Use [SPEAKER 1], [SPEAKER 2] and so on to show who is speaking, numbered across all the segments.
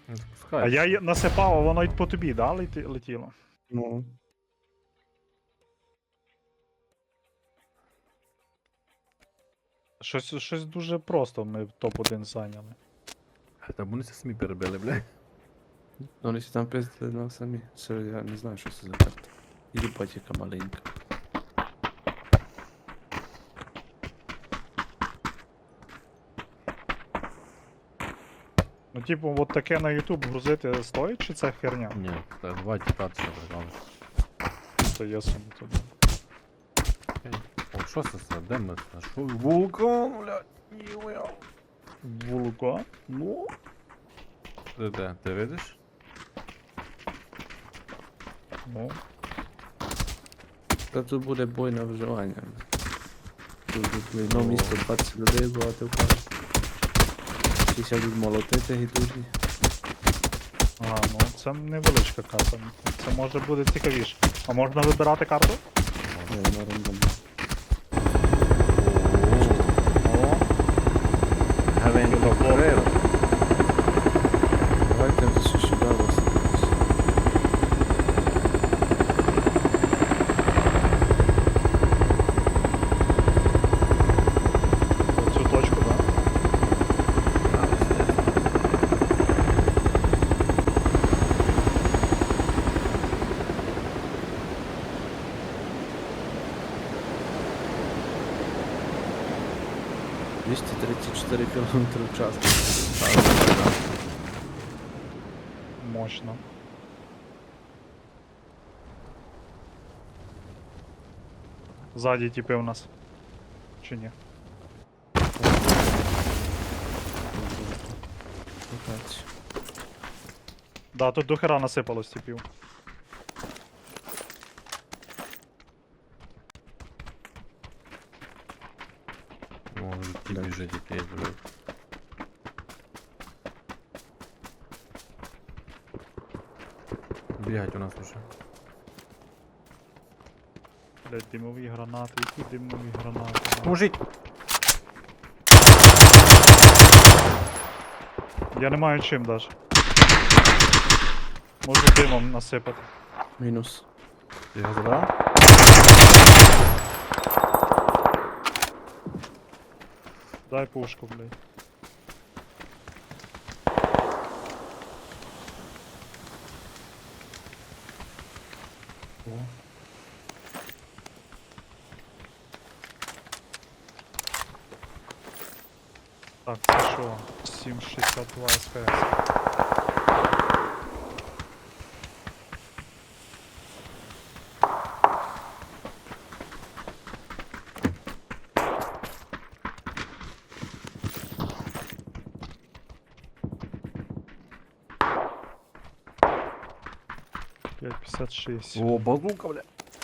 [SPEAKER 1] Ну,
[SPEAKER 2] А
[SPEAKER 1] запускаєш.
[SPEAKER 2] я її насипав, а воно й по тобі, да, летіло?
[SPEAKER 3] Ну.
[SPEAKER 2] Щось дуже просто ми в топ-1 зайняли.
[SPEAKER 1] Та вони це самі перебили, бля.
[SPEAKER 3] Ну, вони всі там пиздили на самі. Це я не знаю, що це за карта. Їбать, яка маленька.
[SPEAKER 2] Ну, типу, от таке на YouTube грузити стоїть, чи це херня?
[SPEAKER 1] Ні, та два тіпа це прикольно.
[SPEAKER 2] То я собі туди.
[SPEAKER 1] О, що це за? Де ми? А що? Вулкан, блядь. Ніуя.
[SPEAKER 2] Вулкан? Ну.
[SPEAKER 1] Ти де? Ти видиш?
[SPEAKER 2] Ну.
[SPEAKER 3] Та тут буде бой на виживання. Тут буде одно місто 20 людей багато впаде. Всі сядуть молотити гідужні.
[SPEAKER 2] Ага, ну це невеличка карта. Це може буде цікавіше. А можна вибирати карту?
[SPEAKER 3] Не, на рандомі.
[SPEAKER 2] О,
[SPEAKER 1] Гавень
[SPEAKER 2] Добре.
[SPEAKER 3] Давайте вже ще сюди висадитись.
[SPEAKER 2] цю точку, так?
[SPEAKER 3] Да? 234 км в час.
[SPEAKER 2] Мощно. Ззаді типи у нас. Чи ні?
[SPEAKER 3] Локацію.
[SPEAKER 2] Да, тут до хера насипалось типів.
[SPEAKER 1] Може ті біжить якийсь, блядь. Бігать у нас уже.
[SPEAKER 2] Блять, димові гранати, які димові гранати.
[SPEAKER 1] Мужик!
[SPEAKER 2] Я не маю чим даже. Можу димом насипати.
[SPEAKER 3] Мінус.
[SPEAKER 1] Ти його забрав?
[SPEAKER 2] Дай пушку, блядь. О. Так, це що? 7,62 СПС. П'ять 56.
[SPEAKER 1] О, базука, бля.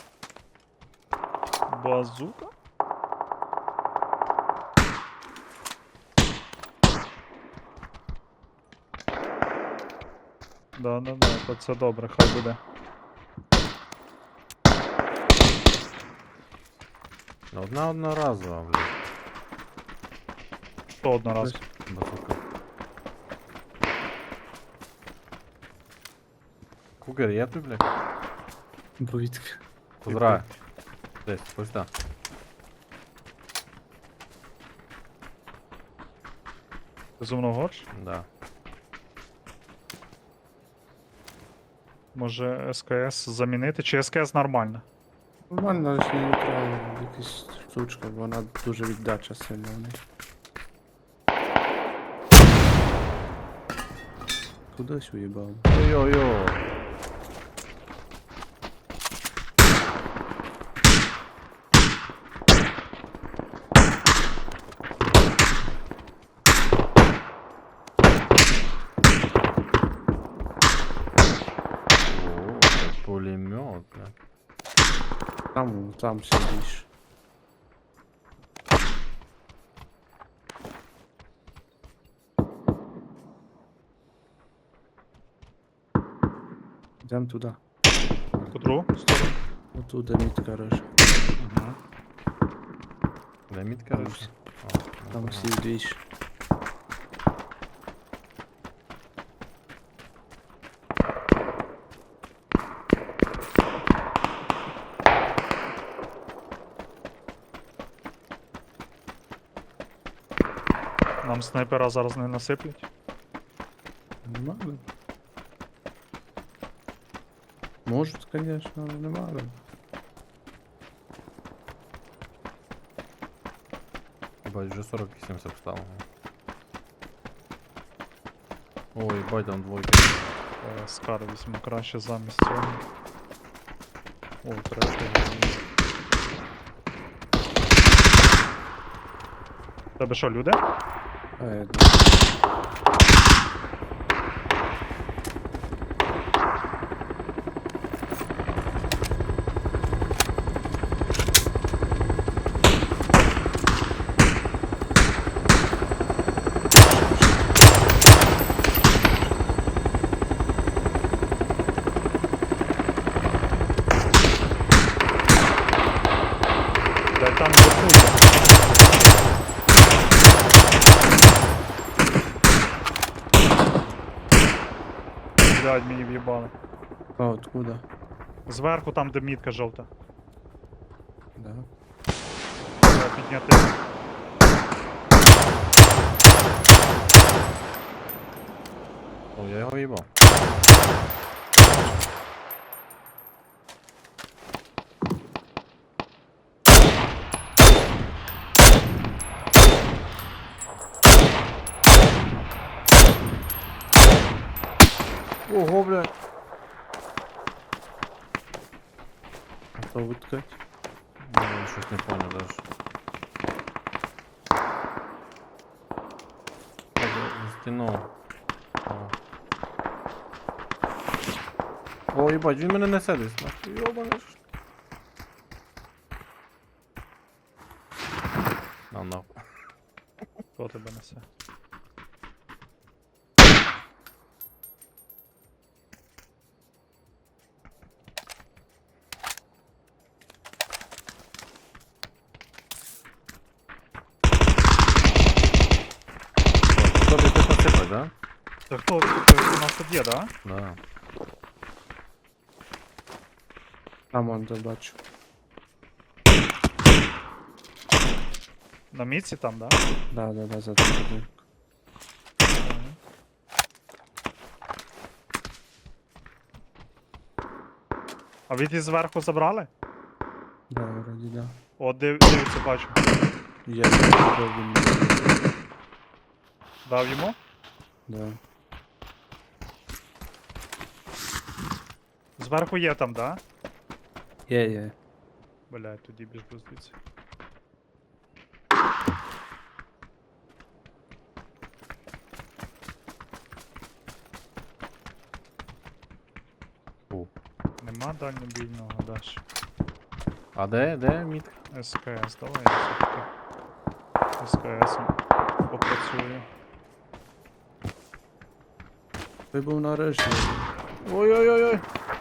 [SPEAKER 2] Базука? Да, то це добре, хай буде.
[SPEAKER 1] Одна одноразова, бля.
[SPEAKER 2] Що одноразово?
[SPEAKER 1] Базука. Кугер є тут, блядь?
[SPEAKER 3] Повітки.
[SPEAKER 1] Позираю. Десь, ось так.
[SPEAKER 2] Ти зо мною горш?
[SPEAKER 1] Да.
[SPEAKER 2] Може СКС замінити? Чи СКС нормально?
[SPEAKER 3] Нормально, але ще не треба якась штучка, бо вона дуже віддача сильна в неї. Кудись уїбав.
[SPEAKER 1] Йо-йо-йо. О, це пулемет, бля.
[SPEAKER 3] Там сидиш. Йдем туди.
[SPEAKER 2] По другу сторону?
[SPEAKER 3] Отуда мітка рожа.
[SPEAKER 2] Угу.
[SPEAKER 1] Де мітка
[SPEAKER 3] Там
[SPEAKER 1] речі?
[SPEAKER 3] всі- Там всі вдвічі.
[SPEAKER 2] Нам снайпера зараз не насиплять.
[SPEAKER 3] Не надо. Можуть, конечно, але не надо.
[SPEAKER 1] Ебать, вже 48 стало. Ой, ебать, там двойка.
[SPEAKER 2] Скар візьму краще замість цього. О, третій. Тебе що, люди?
[SPEAKER 3] А, я думаю.
[SPEAKER 2] Дай там вверху. Блядь, мені в'їбали.
[SPEAKER 3] А, откуда?
[SPEAKER 2] Зверху там, де мітка жовта.
[SPEAKER 3] Да.
[SPEAKER 2] Треба підняти.
[SPEAKER 1] О, я його їбав. Ого, блядь.
[SPEAKER 3] А то виткать?
[SPEAKER 1] Я щось не понял даже. Так, за стіну. О, їбать, він мене несе десь, нахуй, йобаний ж. На нахуй.
[SPEAKER 2] Хто тебе несе?
[SPEAKER 1] Тобі хтось насипать, да?
[SPEAKER 2] Та хто? У нас тут є, да?
[SPEAKER 1] Да.
[SPEAKER 3] Там он забачу.
[SPEAKER 2] На мітці там, да?
[SPEAKER 3] Да, за тим будинком.
[SPEAKER 2] А ви ті зверху забрали?
[SPEAKER 3] Да, вроді да.
[SPEAKER 2] О, дивіться, бачу.
[SPEAKER 3] Я не він.
[SPEAKER 2] Дав йому?
[SPEAKER 3] Да.
[SPEAKER 2] Зверху є там, да?
[SPEAKER 3] Є.
[SPEAKER 2] Блядь, тоді біжу звідси.
[SPEAKER 1] Фу.
[SPEAKER 2] Нема дальнобійного, даш.
[SPEAKER 1] А де мітка?
[SPEAKER 2] СКС, давай я все-таки СКС попрацюю.
[SPEAKER 3] Ти був на решті.
[SPEAKER 1] Ой-ой-ой-ой.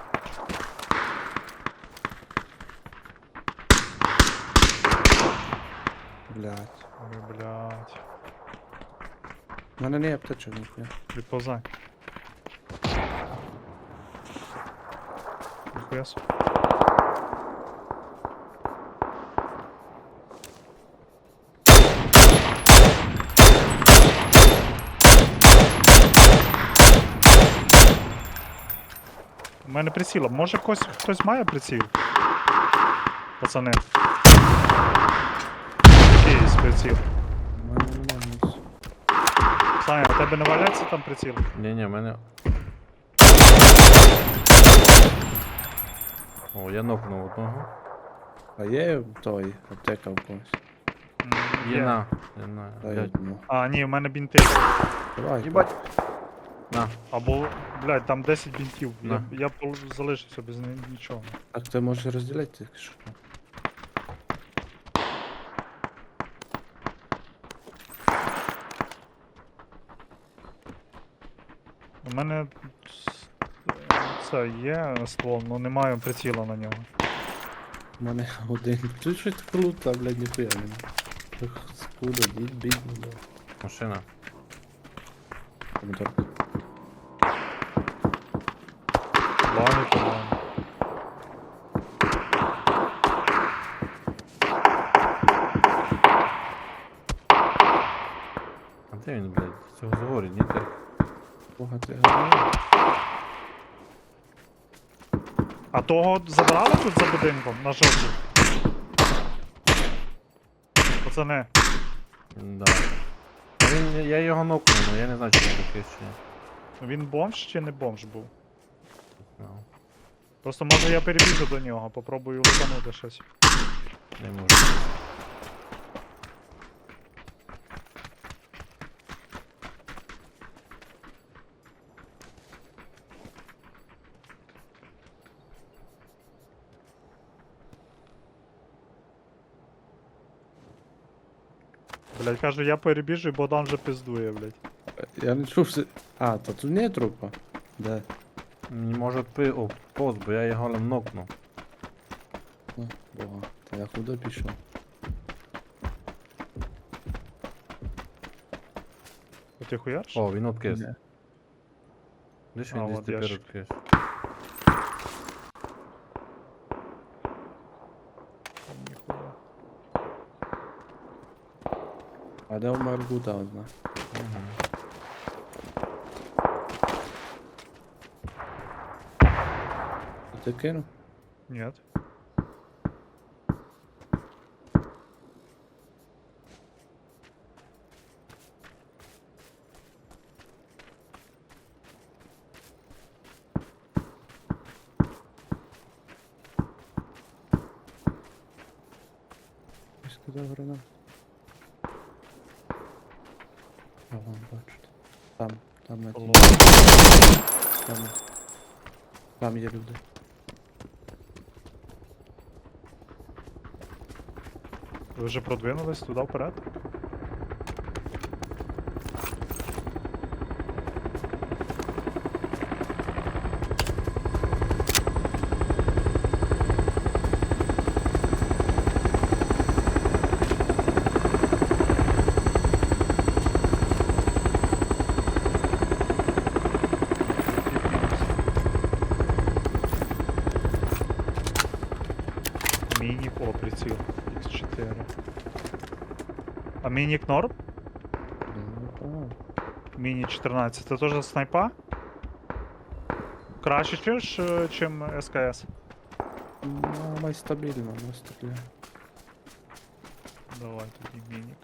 [SPEAKER 3] Блядь.
[SPEAKER 2] Ой, блядь.
[SPEAKER 3] У мене не є аптечок, ніхуя.
[SPEAKER 2] Відповзай. Ніхуя собі. У мене приціла. Може хтось має приціл? Пацани. Якийсь приціл.
[SPEAKER 3] У мене нема ніс.
[SPEAKER 2] Саня, у тебе не валяється там приціл?
[SPEAKER 1] Ні, в мене. О, я нокнув одного.
[SPEAKER 3] А є той аптека в когось?
[SPEAKER 1] Є на.
[SPEAKER 3] Дай
[SPEAKER 1] Блядь.
[SPEAKER 3] одну.
[SPEAKER 2] А, ні, у мене бінти.
[SPEAKER 3] Давай.
[SPEAKER 1] Їбать. На.
[SPEAKER 2] Або, блядь, там 10 бінтів.
[SPEAKER 1] На.
[SPEAKER 2] Я залишився без нічого.
[SPEAKER 3] Так ти можеш розділяти тільки що.
[SPEAKER 2] У мене це є ствол, але немає приціла на нього.
[SPEAKER 3] У мене один. Тут щось круто, блядь, ніхуя нема. Скуда, бідно, да.
[SPEAKER 1] Машина.
[SPEAKER 3] Помідор.
[SPEAKER 2] Баги, по-моєму.
[SPEAKER 1] А де він, блядь? З цього згорі, ні ти?
[SPEAKER 3] Бога ти говорив.
[SPEAKER 2] А того забрали тут за будинком на жовтій? Пацани,
[SPEAKER 1] Да. А він, я його нокнув, але я не знаю, чи він такий чи ні.
[SPEAKER 2] він бомж чи не бомж був?
[SPEAKER 1] Ну,
[SPEAKER 2] Просто може я перебіжу до нього, попробую лутанути щось.
[SPEAKER 1] не можу.
[SPEAKER 2] Блять, кажу, я перебіжу і Богдан вже пиздує, блять.
[SPEAKER 3] Я не чув, що... А, та тут не трупа. Де?
[SPEAKER 1] Може пост, бо я його нокнув.
[SPEAKER 3] Ну, Бога. Та я куди пішов?
[SPEAKER 2] Ти хуярш?
[SPEAKER 1] О, він откис.
[SPEAKER 3] Ні.
[SPEAKER 1] Десь
[SPEAKER 2] А,
[SPEAKER 1] він десь
[SPEAKER 2] от
[SPEAKER 1] тепер
[SPEAKER 2] ящик.
[SPEAKER 1] откис.
[SPEAKER 2] Ніхуя.
[SPEAKER 3] А де у Маргута одна?
[SPEAKER 1] Угу.
[SPEAKER 3] Ти кинув?
[SPEAKER 2] Нет.
[SPEAKER 3] Я сказав гранат. А вон бачите. Там на тій. Там. Там є люди.
[SPEAKER 2] Ви вже продвинулись туди вперед? Мінік, о, приціл. X4. А мінік норм?
[SPEAKER 3] Ну,
[SPEAKER 2] Міні 14. Це теж снайпа? Краще чим СКС.
[SPEAKER 3] ну, май стабільно, не стріляє.
[SPEAKER 2] Давай тоді мінік.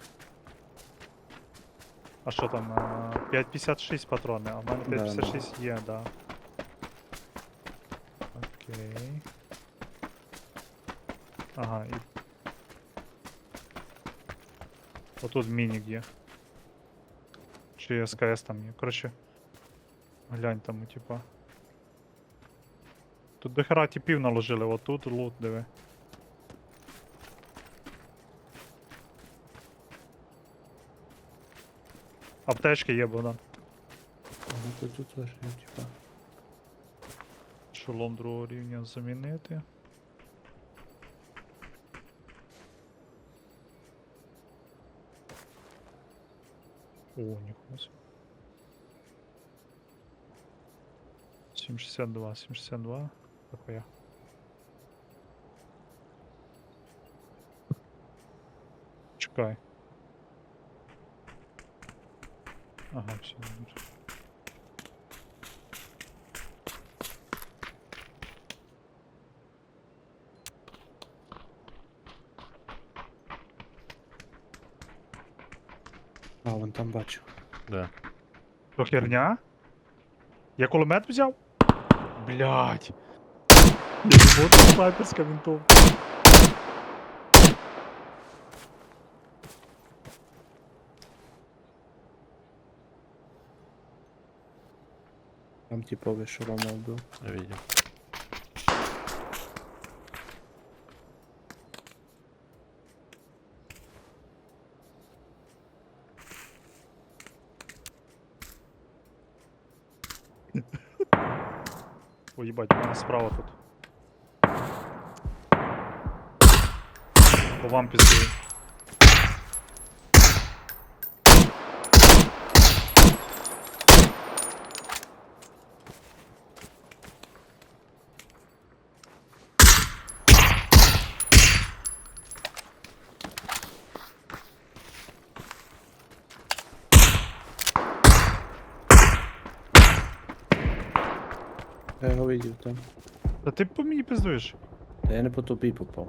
[SPEAKER 2] А що там? 5,56 патрони, а в мене
[SPEAKER 3] Да,
[SPEAKER 2] 5,56 є, да. Окей. Ага, і. Отут мінік є. Чи СКС там є. Коротше. Глянь там, типа. Тут дохера типів наложили, отут лут, диви. Аптечки є, Богдан.
[SPEAKER 3] Ну, тут теж є, типа.
[SPEAKER 2] Шолом другого рівня замінити. О, ніхуя собі. 7,62, 7,62. Дохуя. Чекай. Ага, все, добре.
[SPEAKER 3] А, вон там бачу.
[SPEAKER 1] Да.
[SPEAKER 2] Що херня? Я кулемет взяв? Блять. Я думав, це снайперська винтовка.
[SPEAKER 3] Там типовий шолома був.
[SPEAKER 1] Я видел.
[SPEAKER 2] Ой, їбать, у мене справа тут. По вам піздую.
[SPEAKER 3] Я його видів там.
[SPEAKER 2] Та ти по мені пиздуєш.
[SPEAKER 3] Та я не по тобі попав.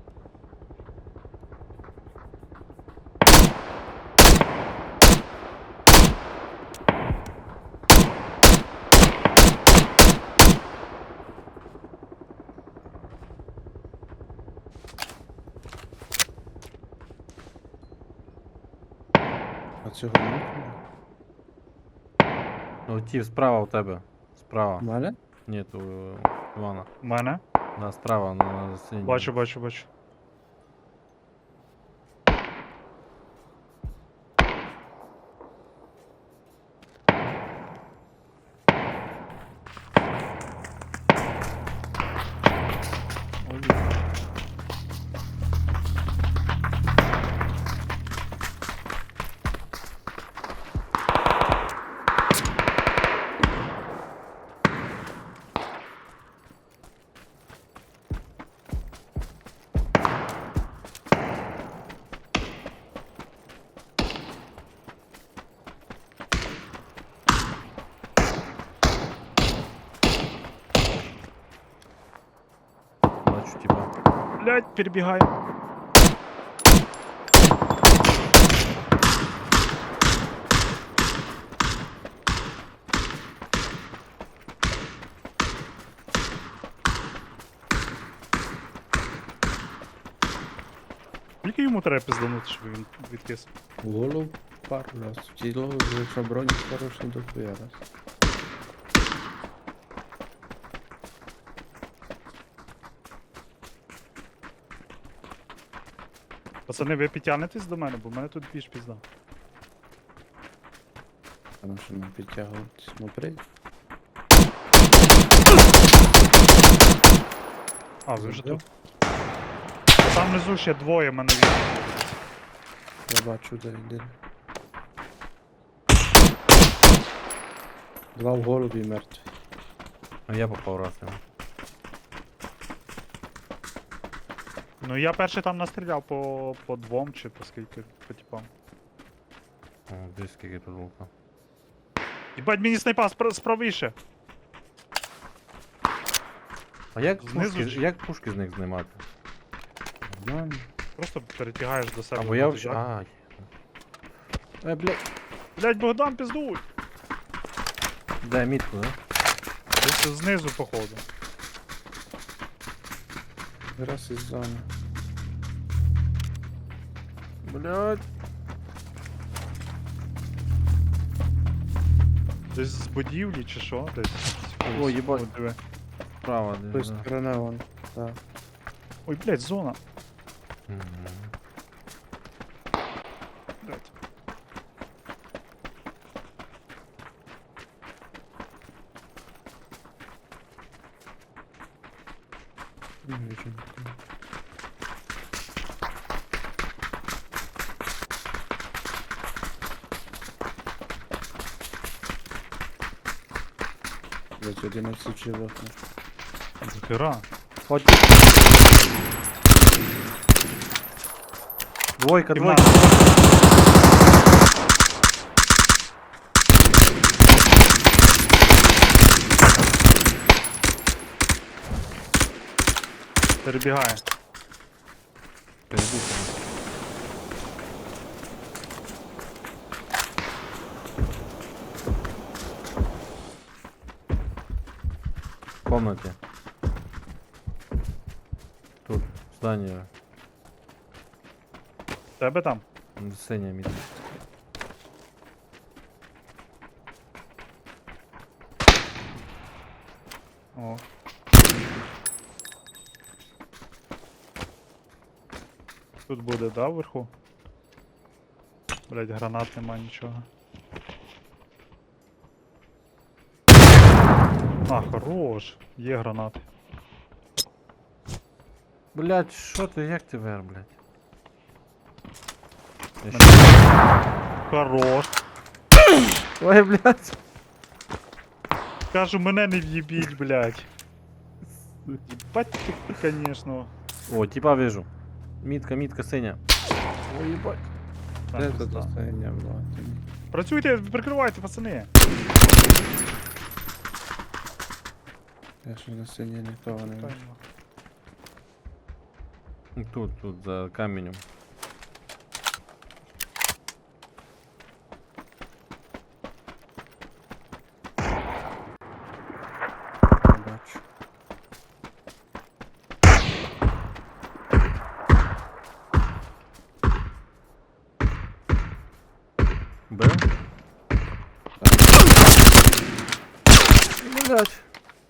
[SPEAKER 3] А цього не
[SPEAKER 1] Ну, ті справа у тебе. Справа.
[SPEAKER 3] У мене?
[SPEAKER 1] Ні, то Івана.
[SPEAKER 2] У мене?
[SPEAKER 1] Да, справа на синій.
[SPEAKER 2] Бачу, бачу, бачу.
[SPEAKER 1] Бачу, типа.
[SPEAKER 2] Блять, перебігай. Скільки йому треба пизданути, щоб він відкис?
[SPEAKER 3] В голову пару раз. В тіло, якщо бронь хороший, то хуя раз.
[SPEAKER 2] Пацани, ви підтягнетесь до мене, бо в мене тут більш пізда.
[SPEAKER 3] Тому що нам підтягувати смотреть.
[SPEAKER 2] А, ви вже
[SPEAKER 3] Да.
[SPEAKER 2] тут. А там внизу ще двоє мене є.
[SPEAKER 3] Я бачу, де йде. Два в голубі мертві.
[SPEAKER 1] А я попав раз йому.
[SPEAKER 2] Ну я перший там настріляв по двом чи по скільки, по типам.
[SPEAKER 1] О, десь скільки тут лука.
[SPEAKER 2] Єбать, мені снайпа справіше.
[SPEAKER 1] А як
[SPEAKER 2] Знизу
[SPEAKER 1] пушки,
[SPEAKER 2] чи-
[SPEAKER 1] як пушки з них знімати?
[SPEAKER 3] Нормально.
[SPEAKER 2] Просто перетягаєш до себе.
[SPEAKER 1] Або я
[SPEAKER 2] рюкзак.
[SPEAKER 1] взагалі. Ай. Блядь.
[SPEAKER 2] Блять, Богдан, пиздуй!
[SPEAKER 1] Дай мітку, да?
[SPEAKER 2] Десь знизу, походу.
[SPEAKER 3] Раз із зони.
[SPEAKER 1] Блядь.
[SPEAKER 2] Десь з будівлі чи що? Десь.
[SPEAKER 1] О, їбать.
[SPEAKER 2] О, диви.
[SPEAKER 1] Справа
[SPEAKER 3] З тої
[SPEAKER 1] десь. Да.
[SPEAKER 3] сторони вон. Так.
[SPEAKER 2] Ой, блять, зона.
[SPEAKER 1] Мгм.
[SPEAKER 2] Блять.
[SPEAKER 3] Не вижу нікого. Блять, 11 живих.
[SPEAKER 2] Захера.
[SPEAKER 1] Хоть. Двойка,
[SPEAKER 2] Кімната.
[SPEAKER 1] двойка.
[SPEAKER 2] Перебігає.
[SPEAKER 1] Перебухано. В комнате. Тут, здание.
[SPEAKER 2] Тебе там?
[SPEAKER 1] Синя мітка.
[SPEAKER 2] О. Тут буде, да, вверху? Блять, гранат нема нічого. А, хорош. Є гранати.
[SPEAKER 1] Блять, що ти, як ти вер, блять?
[SPEAKER 2] Хорош.
[SPEAKER 1] Ой, блять.
[SPEAKER 2] Кажу, мене не в'їбіть, блять. Єбать ти, конечно.
[SPEAKER 1] О, типа вижу. Мітка, мітка, синя. Ой, ебать.
[SPEAKER 2] Там
[SPEAKER 3] Де
[SPEAKER 2] пизда.
[SPEAKER 3] тут останнє було?
[SPEAKER 2] Працюйте, прикривайте, пацани.
[SPEAKER 3] Я ще на сцені нікого не бачу.
[SPEAKER 2] Тайно.
[SPEAKER 1] Тут, за каменем.
[SPEAKER 3] Не бачу.
[SPEAKER 1] Б? Блять.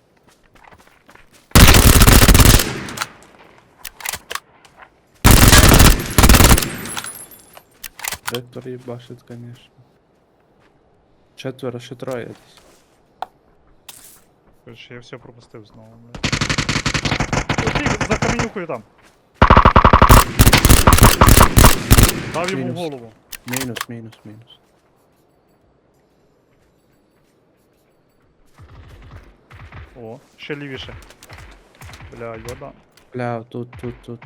[SPEAKER 3] Ректор їбашить, конечно. Четверо, ще троє десь.
[SPEAKER 2] Короче, я все пропустив знову, блядь. Ось за каменюкою там. Дав йому в
[SPEAKER 3] Мінус.
[SPEAKER 2] голову.
[SPEAKER 3] Мінус, мінус, мінус.
[SPEAKER 2] О, ще лівіше. Бля, йода.
[SPEAKER 3] Бля, тут.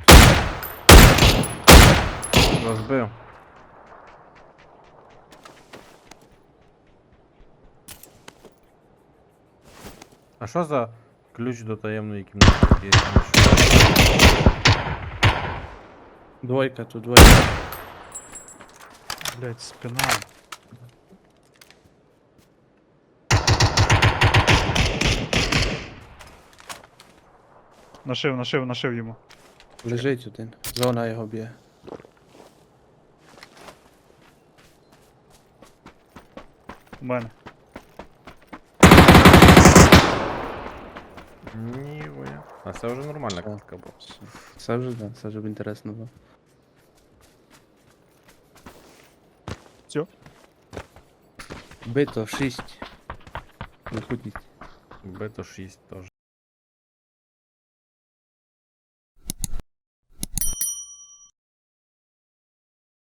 [SPEAKER 1] Розбив. А що за ключ до таємної кімнати є?
[SPEAKER 3] Двойка, тут двойка.
[SPEAKER 2] Блять, спина. Нашив йому.
[SPEAKER 3] Лежить один. Зона його б'є.
[SPEAKER 2] У мене.
[SPEAKER 1] Ніхуя. А це вже нормальна
[SPEAKER 3] Все.
[SPEAKER 1] катка була.
[SPEAKER 3] Це вже, да, це вже б інтересно було.
[SPEAKER 2] Все.
[SPEAKER 3] Бито 6. Виходіть.
[SPEAKER 1] Б-то 6 теж.